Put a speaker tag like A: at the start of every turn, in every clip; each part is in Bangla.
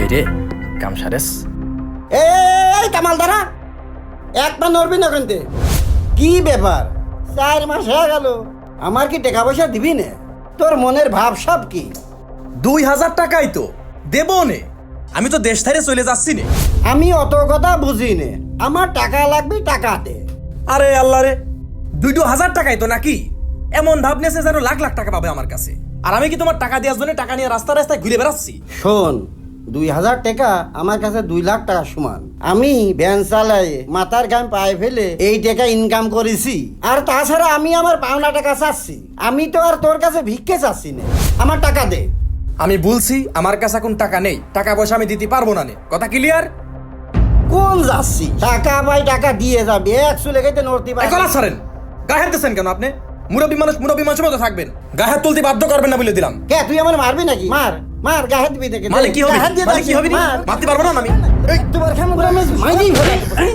A: কিরে কাম সারেস?
B: এই কামাল দাঁড়া, একটা নড়বি না কিন্তু। কি ব্যাপার, 4 মাস হয়ে গেল, আমার কি টাকা পয়সা দিবি না? তোর মনের ভাব সব কি?
A: 2000 টাকাই তো দেবো নে, আমি তো দেশ ছেড়ে চলে যাচ্ছি নে।
B: আমি অত কথা বুঝি নে, আমার টাকা লাগবে, টাকা দে।
A: আরে আল্লাহ রে, 2000 টাকাই তো নাকি? এমন ভাব নেছে যেন লাখ লাখ টাকা পাবে আমার কাছে। আর আমি কি তোমার টাকা দেওয়ার জন্য টাকা নিয়ে রাস্তা রাস্তায় ঘুরে বেড়াচ্ছি?
B: শোন, 2000 টাকা আমার কাছে 2 লাখ টাকা সমান। আমি ভ্যান চালাই মাথার ঘাম পায়ে ফেলে এই টাকা ইনকাম করেছি। আর তাছাড়া আমি আমার পাওনা টাকা চাচ্ছি, আমি তো আর তোর কাছে ভিক্ষে চাচ্ছি না। আমার টাকা দে।
A: আমি বলছি আমার কাছে এখন টাকা নেই, টাকা পয়সা আমি দিতে পারবো না নে, কথা ক্লিয়ার?
B: কোন যাচ্ছি? টাকা পাই, টাকা দিয়ে যাবে, একশো লেগে নড়তে পারে।
A: গলা ছাড়েন, গায়ে হাত দিচ্ছেন কেন আপনি? মুরব্বী মানুষের মতো থাকবেন, গায়ে হাত তুলতে বাধ্য করবেন না বলে দিলাম।
B: কে তুই আমার মারবি নাকি? মার মার, গায়ে হাত দিবি দেখে।
A: মানে কি হবে? মানে কি হবে? মারতে পারবো না আমি।
B: তোমার খাম করে আমি মাইরেই ফেলে।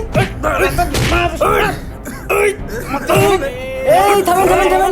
C: এই থামেন থামেন থামেন,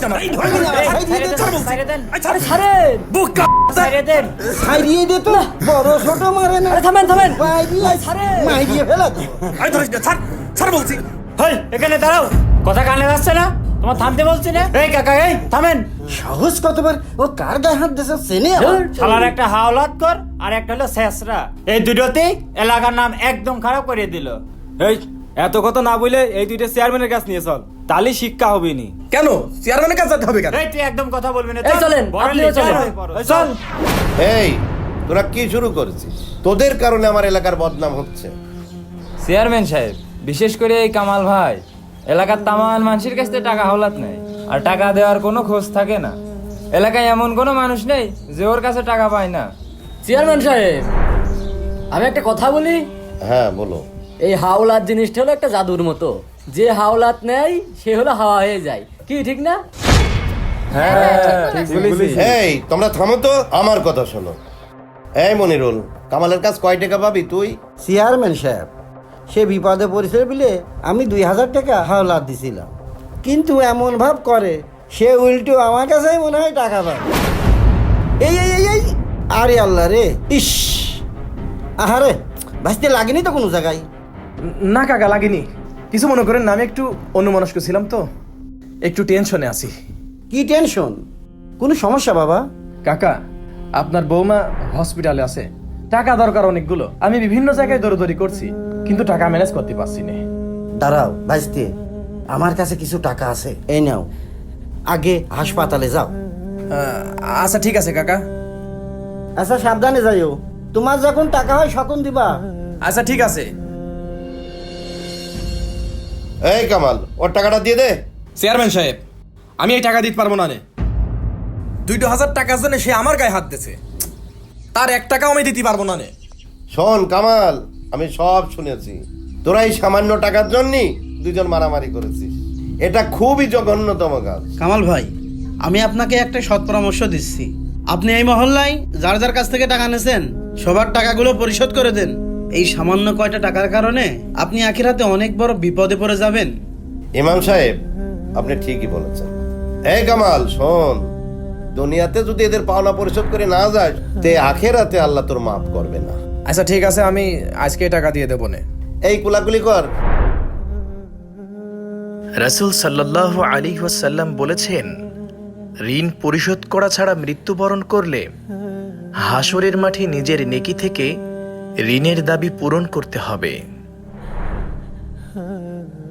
B: ছাড়িয়ে দে তো, বড় ছোট মারে না।
C: থামেন থামেন,
B: মাইরিয়ে ফেলা তো।
A: ছাড় বলছি।
C: হেই এখানে দাঁড়াও, কথা কানে আসছে না? তোমার থামতে বলছি না? এই কাকা, এই থামেন।
B: সাহস কতবার, ও কার গায়ে হাত দিয়েছে চেনে?
C: শালার একটা হাওলাত কর আর একটা হলো শেষরা, এই দুটোতেই এলাকার নাম একদম খারাপ করে দিল।
D: এই এত কথা না বলে এই দুইটা চেয়ারম্যানের কাছে নিয়ে চল, তাহলে শিক্ষা হবে নি।
A: কেন চেয়ারম্যানের কাছে যেতে হবে কেন?
C: এই তুই একদম কথা বলবি না।
D: এই চলেন, আপনিও চলেন।
C: চল।
E: এই তোরা কি শুরু করেছিস? তোদের কারণে আমার এলাকার বদনাম হচ্ছে।
D: চেয়ারম্যান সাহেব, বিশেষ করে এই কামাল ভাই এলাকার তামান মানুষের কাছ থেকে টাকা হাওলাত নেয়, আর টাকা দেওয়ার কোনো খোঁজ থাকে না। এলাকায় এমন কোনো মানুষ নেই যে ওর কাছে টাকা পায় না।
F: চেয়ারম্যান সাহেব, আমি একটা কথা বলি।
E: হ্যাঁ বলো।
F: এই হাওলাত জিনিসটা হলো একটা জাদুর মতো, যে হাওলাত নেয় সে হলো হাওয়া হয়ে যায়, কি ঠিক না?
D: ঠিক বলেছিস।
E: এই তোমরা থামো তো, আমার কথা শোনো। এই মনিরুল, কামালের কাজ কয় টাকা পাবি তুই?
B: চেয়ারম্যান সাহেব, সে বিপদে পড়েছে বলে আমি 2000 টাকা হাওলাত দিছিলাম, কিন্তু এমন ভাব করে সে উল্টো আমার কাছেই মনে হয় টাকা পাবে। এই এই এই এই, আরে আল্লাহ রে, ইস, আহারে, ভাসতে লাগেনি তো কোনো জায়গায়।
A: না কাকা, লাগেনি। কিছু মনে করেন না, আমি একটু অন্যমনস্ক ছিলাম তো, একটু টেনশনে আছি।
B: কি টেনশন? কোনো সমস্যা বাবা?
A: কাকা, আপনার বৌমা হসপিটালে আছে, টাকা দরকার অনেকগুলো। আমি বিভিন্ন জায়গায় দৌড়দৌড়ি করছি, কিন্তু টাকা ম্যানেজ করতে পারছি না।
B: দাঁড়াও ভাসতে, আমার কাছে কিছু টাকা আছে, এই নাও, আগে হাসপাতালে যাও।
A: আচ্ছা ঠিক আছে কাকা।
B: আচ্ছা সাবধানে যাইও, তোমার যখন টাকা হয় সকন দিবা।
A: আচ্ছা ঠিক আছে।
E: এই কামাল, ওর টাকাটা দিয়ে দে।
A: চেয়ারম্যান সাহেব, আমি এই টাকা দিতে পারবো না নে। 2000 টাকার জন্য সে আমার গায়ে হাত দিয়েছে, তার 1 টাকাও আমি দিতে পারবো না নে।
E: শোন কামাল, আমি সব শুনেছি। তোরা এই সামান্য টাকার জন্যই দুজন মারামারি করেছিস। এটা খুবই জঘন্যতম কাজ।
G: কামাল ভাই, আমি আপনাকে একটা সৎ পরামর্শ দিচ্ছি। আপনি এই মহল্লায় যার যার কাছ থেকে টাকা নিয়েছেন সবার টাকাগুলো পরিশোধ করে দেন। এই সামান্য কয়টা টাকার কারণে আপনি আখিরাতে অনেক বড় বিপদে পড়ে যাবেন।
E: ইমাম সাহেব, আপনি ঠিকই বলেছেন। এই কামাল শোন, দুনিয়াতে যদি এদের পাওনা পরিশোধ করে না যায়, তে আখেরাতে আল্লাহ তোর মাফ করবে না।
A: আচ্ছা ঠিক আছে, আমি আজকে টাকা দিয়ে দেবো নে।
E: এই কুলাকুলি কর।
H: রাসূল সাল্লাল্লাহু আলাইহি ওয়াসাল্লাম বলেছেন, ঋণ পরিশোধ করা ছাড়া মৃত্যুবরণ করলে হাসরের মাঠে নিজের নেকি থেকে ঋণের দাবি পূরণ করতে হবে।